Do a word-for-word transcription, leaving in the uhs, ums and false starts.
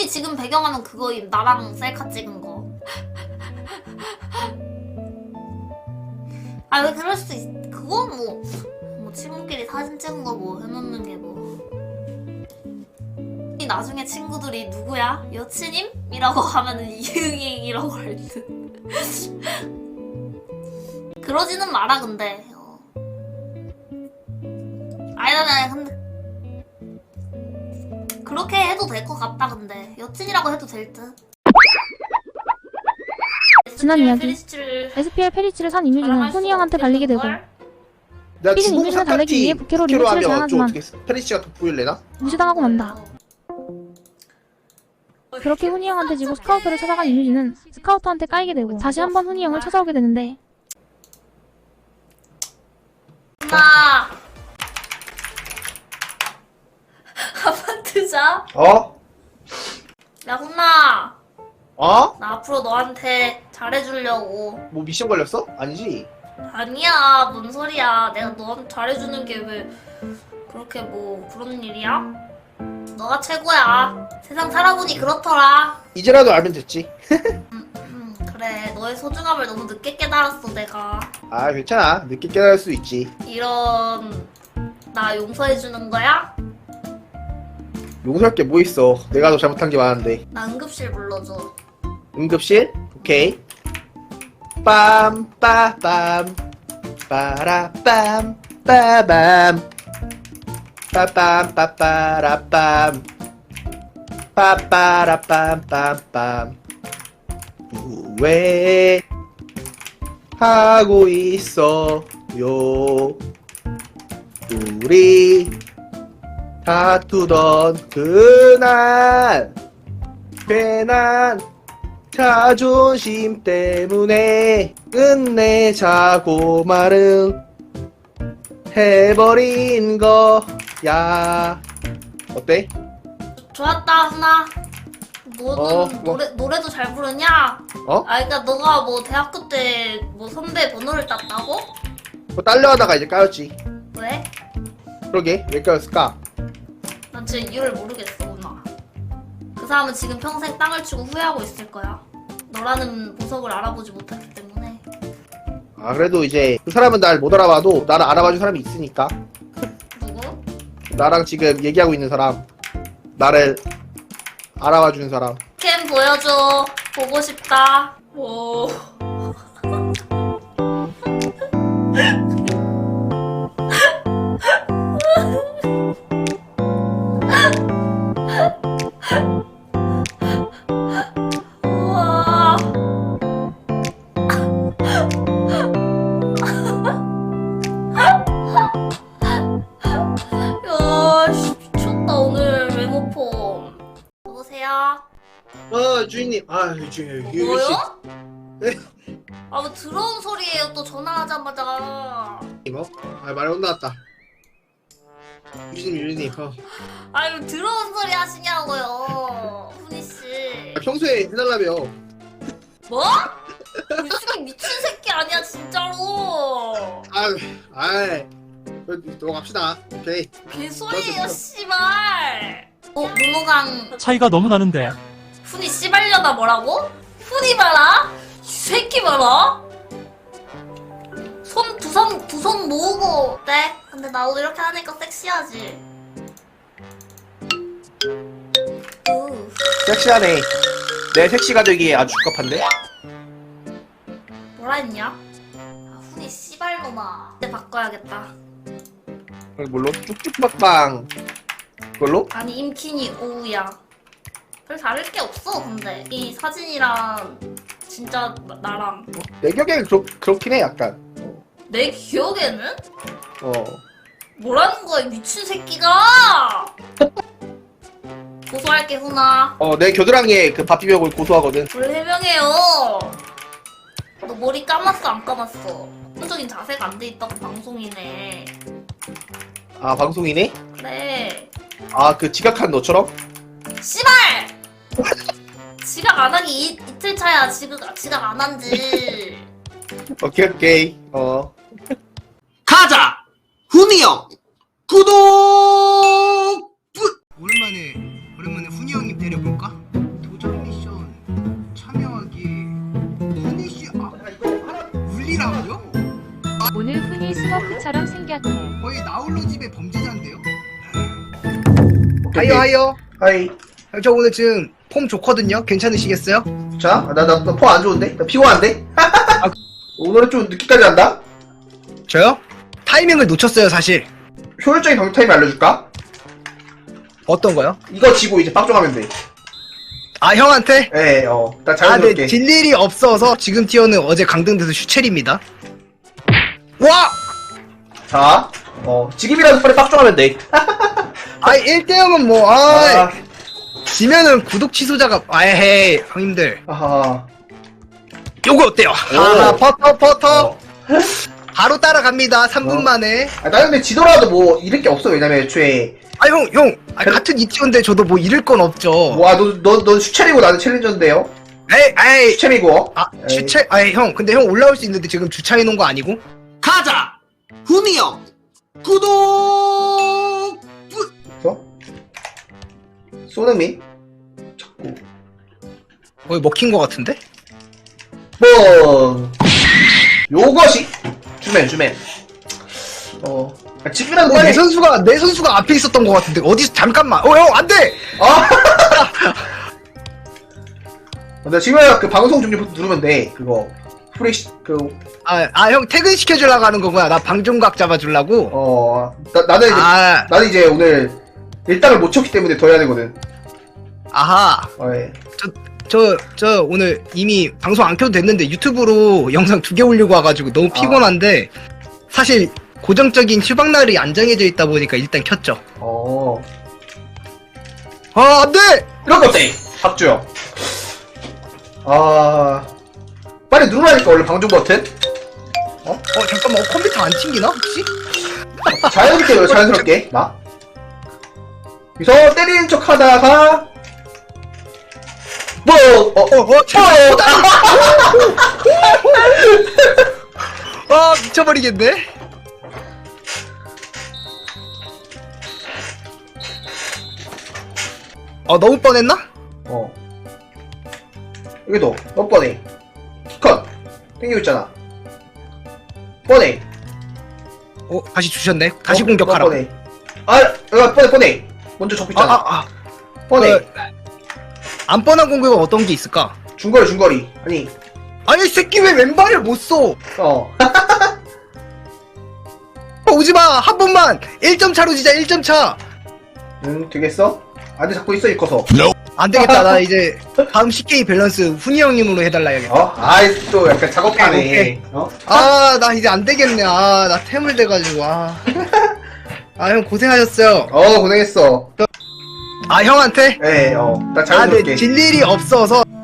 지금 배경화면 그거임. 나랑 셀카 찍은 거. 아 왜 그럴 수 있... 그건 뭐... 뭐 친구끼리 사진 찍은 거 뭐 해놓는 게 뭐... 나중에 친구들이 누구야? 여친임? 이라고 하면은 이응이라고 할 듯. 그러지는 마라 근데. 어. 아니다 아니다 근데 그렇게 해도 될 것 같다 근데. 여친이라고 해도 될 듯. 지난 이야기. 페리시치를... 에스피엘 페리치를 산 이뮤진은 훈이 형한테 발리게 되고 내가 삐진 주공 이뮤진을 달래기 위해 삼각티 부캐로 부캐로 리무치를 하면 좀 제안하지만 어떻게 페리시가 돋보일래나? 무시당하고 만다. 그렇게 훈이 형한테 지고 스카우터를 찾아간 이뮤진은 스카우터한테 까이게 되고 다시 한번 훈이 형을 찾아오게 되는데 훈아 한번 뜨자. 어? 야 훈아 어? 나 앞으로 너한테 잘해주려고. 뭐 미션 걸렸어? 아니지? 아니야 뭔 소리야. 내가 너한테 잘해주는 게 왜 그렇게 뭐 그런 일이야? 너가 최고야. 세상 살아보니 그렇더라. 이제라도 알면 됐지. 음, 음, 그래 너의 소중함을 너무 늦게 깨달았어 내가. 아 괜찮아. 늦게 깨달을 수 있지. 이런 나 용서해주는 거야? 용서할 게 뭐 있어. 내가 더 잘못한 게 많은데. 나 응급실 불러줘. 응급실? 오케이. 빰 빠빰 빠라빰 빠밤 빠빰 빠빠라빰 빠빠라빰빰빰 왜 하고 있어요 우리 다투던 그날 괜한 자존심 때문에 끝내자고 말은 해버린 거야. 어때? 좋았다 훈아. 너는 어, 뭐. 노래, 노래도 잘 부르냐? 어? 아 그니까 너가 뭐 대학교 때 뭐 선배 번호를 땄다고? 뭐 딸려 하다가 이제 까였지. 왜? 그러게 왜 까였을까? 난 진짜 이유를 모르겠어 훈아. 그 사람은 지금 평생 땅을 치고 후회하고 있을 거야. 너라는 보석을 알아보지 못했기 때문에. 아 그래도 이제 그 사람은 날 못 알아봐도 나를 알아봐준 사람이 있으니까. 누구? 나랑 지금 얘기하고 있는 사람, 나를 알아봐주는 사람. 캠 보여줘. 보고 싶다. 오. 우와. 야, 씨, 미쳤다 오늘 메모폼. 여보세요? 어 주인님, 아 주인님, 뭐요? 네? 아, 뭐 들어온 소리예요. 또 전화하자마자. 이거? 아 말이 못 나왔다. 유진님, 유진님, 어. 아유, 들어온 소리 하시냐고요, 훈이 씨. 아, 평소에 해달라며. 뭐? 이 새끼 미친 새끼 아니야 진짜로. 아, 아, 넘어갑시다. 오케이. 개소리예요, 씨발. 어, 문호강 차이가 너무 나는데. 훈이 씨발려나 뭐라고? 훈이 봐라. 이 새끼 봐라. 손 두 손 두 손 모으고 어때? 근데 나도 이렇게 하니까 섹시하지. 우. 섹시하네. 내 섹시가 되기에 아주 적합한데? 뭐라 했냐? 아, 훈이 씨발놈아. 이제 바꿔야겠다. 뭘로? 쭉쭉박방. 그걸로? 아니 임킨이 오우야. 별 다를 게 없어 근데 이 사진이랑 진짜 나- 나랑 내 격에는 그렇, 그렇긴 해, 약간. 어. 내 기억에는? 어. 뭐라는 거야 이 미친 새끼가. 고소할게 훈아. 어, 내 겨드랑이에 그 밥비벼고 고소하거든. 뭘 해명해요. 너 머리 감았어 안 감았어? 기본적인 자세가 안 돼 있다고 방송이네. 아, 방송이네? 그래. 아, 그 지각한 너처럼? 씨발! 지각 안 하기 이, 이틀 차야. 지각, 지각 안 한지. 오케이, 오케이. 어. 가자! 훈이 형! 구독! 오랜만에, 오랜만에 훈이 형님 데려볼까? 신기하긴 해. 거의 나홀로 집의 범죄자인데요? 하이요 하이요. 하이. 저 오늘 지금 폼 좋거든요. 괜찮으시겠어요? 자, 나, 나, 나, 포 안 좋은데? 나 피곤한데? 오늘은 좀 늦게까지 한다? 저요? 타이밍을 놓쳤어요 사실. 효율적인 방송 타임 알려줄까? 어떤 거요? 이거 지고 이제 빡종하면 돼. 아 형한테? 예, 어. 나 아, 자연스럽게. 네, 질 일이 없어서 지금 티어는 어제 강등돼서 슈첼입니다. 와! 자, 어. 지금이라도 빨리 빡종하면 돼. 아, 일 대 영은 뭐, 아, 아, 지면은 구독 취소자가, 아헤이, 형님들. 아하. 요거 어때요? 오. 아, 퍼터, 퍼터. 어. 바로 따라갑니다, 삼 분 어. 만에. 아, 나 근데 지더라도 뭐, 잃을 게 없어. 왜냐면 애초에. 아, 형, 형. 아, 같은 이 티어인데 저도 뭐 잃을 건 없죠. 와, 너, 너, 너 슈첼이고 나는 챌린저인데요? 에이, 에이. 슈첼이고. 아, 에이. 주차, 아이, 형. 근데 형 올라올 수 있는데 지금 주차해 놓은 거 아니고? 가자! 훈이 형! 구독! 어? 소능미? 자꾸. 거의 먹힌 거 같은데? 뭐, 요것이. 주맨, 주맨. 어. 아, 지금이라도 어, 내 빨리. 선수가, 내 선수가 앞에 있었던 거 같은데. 어디서, 잠깐만. 어, 형, 안 돼! 아! 나 지금이라 그 방송 종료 버튼 누르면 돼. 그거. 프레시, 그, 아, 아, 형 퇴근시켜주려고 하는 거구나. 나 방종각 잡아주려고. 어, 나, 나는 이제, 아, 나는 이제 오늘 일당을 못 쳤기 때문에 더 해야 되거든. 아하. 어, 예. 저, 저 오늘 이미 방송 안 켜도 됐는데 유튜브로 영상 두 개 올리고 와가지고 너무 피곤한데 사실 고정적인 휴방날이 안 정해져 있다 보니까 일단 켰죠. 어. 아, 안 돼! 이런 거 어때? 박주영. 아. 빨리 누르라니까, 원래 방종 버튼? 어? 어, 잠깐만. 어, 컴퓨터 안 튕기나, 혹시? 자연스럽게, 왜 자연스럽게. 나. 여기서 때리는 척 하다가, 뭐, 어, 어, 어, 제발. 아, 미쳐버리겠네. 어, 너무 뻔했나? 어. 여기도, 너 뻔해. 키컷. 땡기고 있잖아. 뻔해. 어, 다시 주셨네. 다시 어, 공격하라. 너 뻔해. 아, 야, 뻔해, 뻔해. 먼저 접고 아, 있잖아. 아, 아. 뻔해. 어, 안 뻔한 공격은 어떤 게 있을까? 중거리, 중거리. 아니, 아니, 이 새끼 왜 왼발을 못 써? 어. 어, 오지마! 한 번만! 일 점 차로 지자, 일 점 차! 응, 되겠어? 안 돼, 잡고 있어, 이 커서. 안 되겠다, 나 이제 다음 씨케이 밸런스 훈이 형님으로 해달라 해야겠다. 어? 아이, 또 약간 작업하네. 오케이. 어? 아, 나 이제 안 되겠네. 아, 나 태물 돼가지고, 아. 아, 형 고생하셨어요. 어, 고생했어. 아, 형한테? 예, 어. 나 아, 자연스럽게. 네, 질 일이 없어서